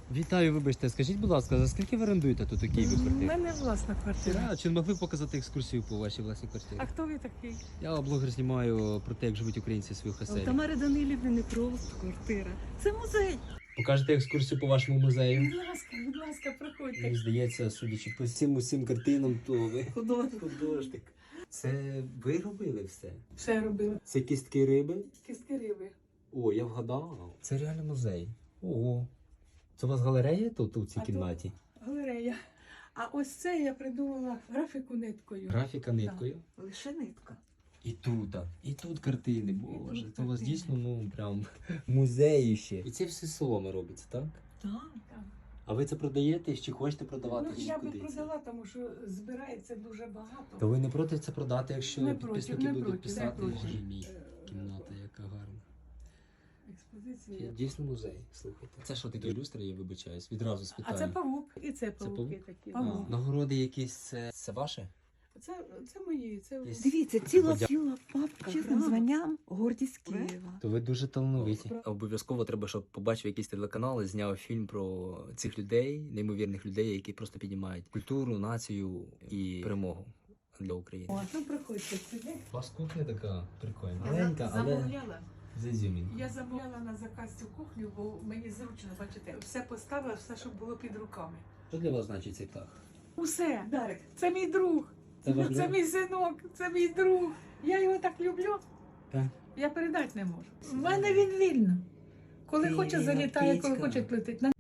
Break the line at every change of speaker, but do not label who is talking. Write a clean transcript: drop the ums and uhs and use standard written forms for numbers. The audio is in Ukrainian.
Вітаю, вибачте, скажіть, будь ласка, за скільки ви орендуєте тут у Києві
У
квартиру?
мене власна квартира.
Чи не могли б показати екскурсію по вашій власній квартирі?
А хто ви такий?
Я блогер знімаю про те, як живуть українці в своїх
У
оселях.
Тамари Данилівни не просто квартира. Це музей.
Покажете екскурсію по вашому музею?
Будь ласка, проходьте.
Мені здається, судячи по всім усім картинам, то ви художник. Це ви робили все?
Все робила.
Це кістки риби?
Кістки риби.
О, я вгадав. Це реально музей. Ого. Це у вас галерея тут у цій
А
кімнаті?
Галерея. А ось це я придумала графіку ниткою.
Графіка ниткою.
Лише нитка.
І тут картини, боже,
тут
це у вас
картини.
дійсно, ну, прям музеї ще. І це все соломи робиться, так?
Так.
А ви це продаєте, чи хочете продавати,
Ну,
чи
я би
куди це?
продала, тому що збирається дуже багато.
То ви не проти це продати, якщо
Не проти,
підписники
не
будуть
проти, не
писати?
проти.
Боже мій, кімната, яка гарна.
Експозиція.
Дійсно музей, слухайте. Це що таке люстра, я вибачаюсь, відразу
А
спитаю.
це павук. І це
павук?
павуки такі.
А, нагороди якісь, це ваше?
Це мої. Це
Десь-
Дивіться, ціла
Подя-
папка чесним званням гордість Києва.
То ви дуже талановиті. Обов'язково треба, щоб побачив якийсь телеканал і зняв фільм про цих людей, неймовірних людей, які просто піднімають культуру, націю і перемогу для України.
О, ну приходьте сюди.
У вас кухня така прикольна.
Я
Маленька, але
замовляла.
з ізюмінкою.
Я замовляла на заказ цю кухню, бо мені зручно, бачите, все поставила, все, щоб було під руками.
Що для вас значить цей птах?
Усе, Дарик, це мій друг,
Це ваш
це
друг?
мій синок, це мій друг. Я його так люблю,
Так.
я передати не можу. У мене він вільно. Коли
Ти
хоче залітає, коли
кицька.
хоче летить.